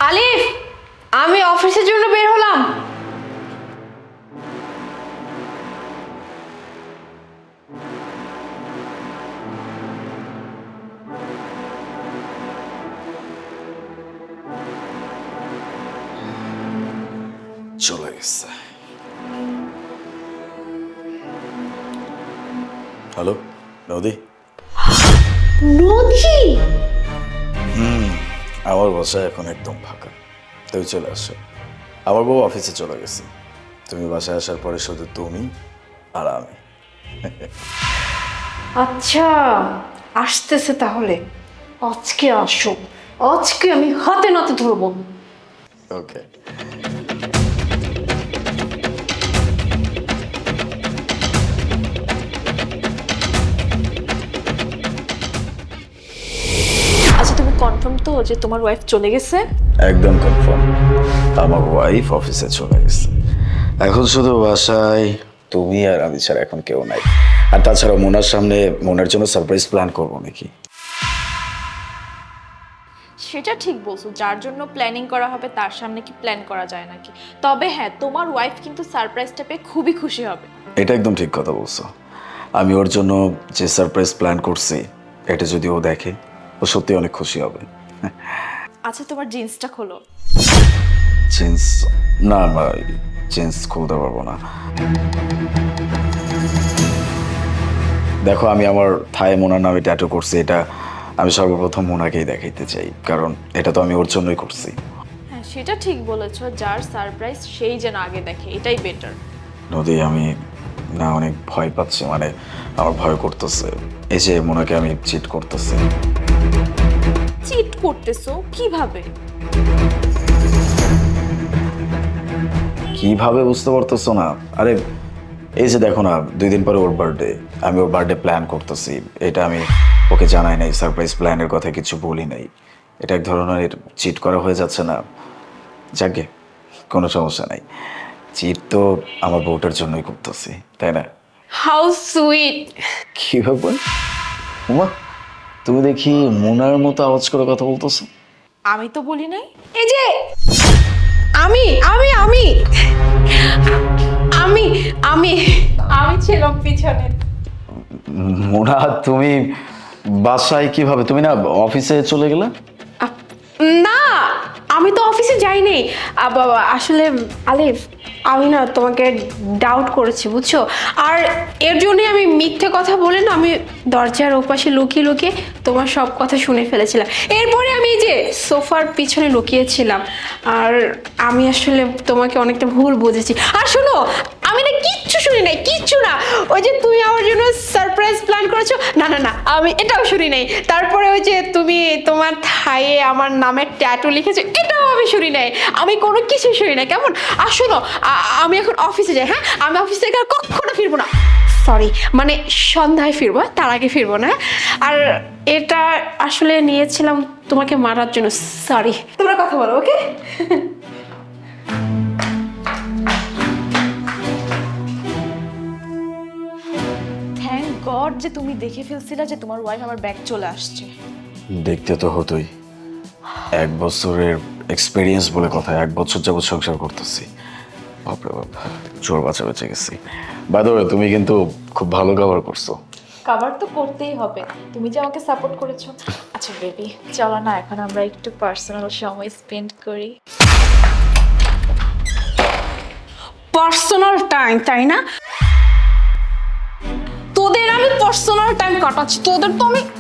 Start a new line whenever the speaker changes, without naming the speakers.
আলিফ, আমি অফিসের জন্য বের হলাম।
চলে গেছে। হ্যালো নদী।
নদী?
আমার বাসা এখন একদম ফাঁকা, তুমি চলে আসো। আমার বউ অফিসে চলে গেছে, তুমি বাসায় আসার পরে শুধু তুমি আর আমি।
আচ্ছা, আসতেছে তাহলে। আজকে আসো, আজকে আমি হাতে নাতে ধরবো।
ওকে।
আচ্ছা, তুমি কনফার্ম তো যে তোমার ওয়াইফ চলে গেছে?
একদম কনফার্ম, আমার ওয়াইফ অফিসে চলে গেছে। এখন শুধু বাসায় তুমি আর আমি ছাড়া এখন কেউ নাই। আর তাছাড়া মোনার সামনে মোনার জন্য সারপ্রাইজ প্ল্যান করবো নাকি?
সেটা ঠিক বলছো, যার জন্য প্ল্যানিং করা হবে তার সামনে কি প্ল্যান করা যায় নাকি? তবে হ্যাঁ, তোমার ওয়াইফ কিন্তু সারপ্রাইজটা পেয়ে খুবই খুশি হবে।
এটা একদম ঠিক কথা বলছো। আমি ওর জন্য যে সারপ্রাইজ প্ল্যান করছি, এটা যদি ও দেখে, ও সত্যি অনেক খুশি হবে।
আচ্ছা, তোমার জিন্সটা খোলো।
জিন্স? না, জিন্স খুলতে পারবো না। দেখো, আমি আমার থায়ে মোনার নামে ট্যাটু করছি। এটা আমি সর্বপ্রথম মোনাকেই দেখাইতে চাই, কারণ এটা তো আমি ওর জন্যই করছি।
হ্যাঁ, সেটা ঠিক বলেছো, যার সারপ্রাইজ সেই যেন আগে দেখে, এটাই বেটার।
নদী, আমি না অনেক ভয় পাচ্ছি, মানে আমার ভয় করতেছে। এই যে মোনাকে আমি চিট করতেছি।
চিট করতেছো কিভাবে?
কিভাবে বুঝতে পারতেছো না? আরে এই যে দেখো না, 2 দিন পরে ওর বার্থডে, আমি ওর বার্থডে প্ল্যান করতেছি। এটা আমি ওকে জানাই নাই, সারপ্রাইজ প্ল্যানের কথা কিছু বলি নাই। এটা এক ধরনের চিট করা হয়ে যাচ্ছে না? যাকে কোনো সমস্যা নাই, চিট তো আমার বউটার জন্যই করতেছি, তাই না?
How sweet.
কিভাবে? উমা, তুমি দেখি মোনার মতো আওয়াজ করে কথা বলতেছো।
আমি তো বলি নাই।
এই যে আমি আমি আমি আমি আমি আমি ছিলাম পিছনে।
মোনা, তুমি বাসায় কিভাবে? তুমি না অফিসে চলে গেলে?
না, আমি তো অফিসে যাইনি। বাবা, আসলে আলিফ, আমি না তোমাকে ডাউট করেছি, বুঝছো? আর এর জন্যই আমি মিথ্যে কথা বলে না, আমি দরজার ওপাশে লুকিয়ে লুকিয়ে তোমার সব কথা শুনে ফেলেছিলাম। এরপরে আমি এই যে সোফার পিছনে লুকিয়েছিলাম। আর আমি আসলে তোমাকে অনেকটা ভুল বুঝেছি। আর শোনো, আমি না কিচ্ছু শুনি নাই, কিচ্ছু না। ওই যে তুমি আমার জন্য সারপ্রাইজ প্ল্যান করেছো, না না না, আমি এটাও শুনি নাই। তারপরে ওই যে তুমি তোমার থায়ে আমার নামের ট্যাটু লিখেছো, এটাও আমি শুনি নাই। আমি কোনো কিছু শুনি নাই, কেমন? আর শোনো, আমি এখন অফিসে যাই। হ্যাঁ, আমি অফিস থেকে আর কখনো ফিরবো না। সরি, মানে সন্ধ্যায় ফিরবো, তার আগে ফিরবো না। আর এটা আসলে নিয়েছিলাম তোমাকে মারার জন্য। সরি, তোমরা কথা বলো, ওকে?
থ্যাংক গড যে তুমি দেখে ফেলছিলা যে তোমার ওয়াইফ আমার ব্যাগ চলে আসছে।
দেখতে তো হতোই। 1 বছরের এক্সপিরিয়েন্স বলে কথা, 1 বছর যাবত সংসার করতেছি। বাপরে বাপ, চোর বাঁচা বেঁচে গেছি। বাই দ্য ওয়ে, তুমি কিন্তু খুব ভালো কভার করছো।
কভার তো করতেই হবে, তুমি যে আমাকে সাপোর্ট করেছো। আচ্ছা বেবি, চলো না এখন আমরা একটু পার্সোনাল সময় স্পেন্ড করি।
পার্সোনাল টাইম, তাই না? তোদের আমি পার্সোনাল টাইম কাটাচ্ছি, তোদের তো আমি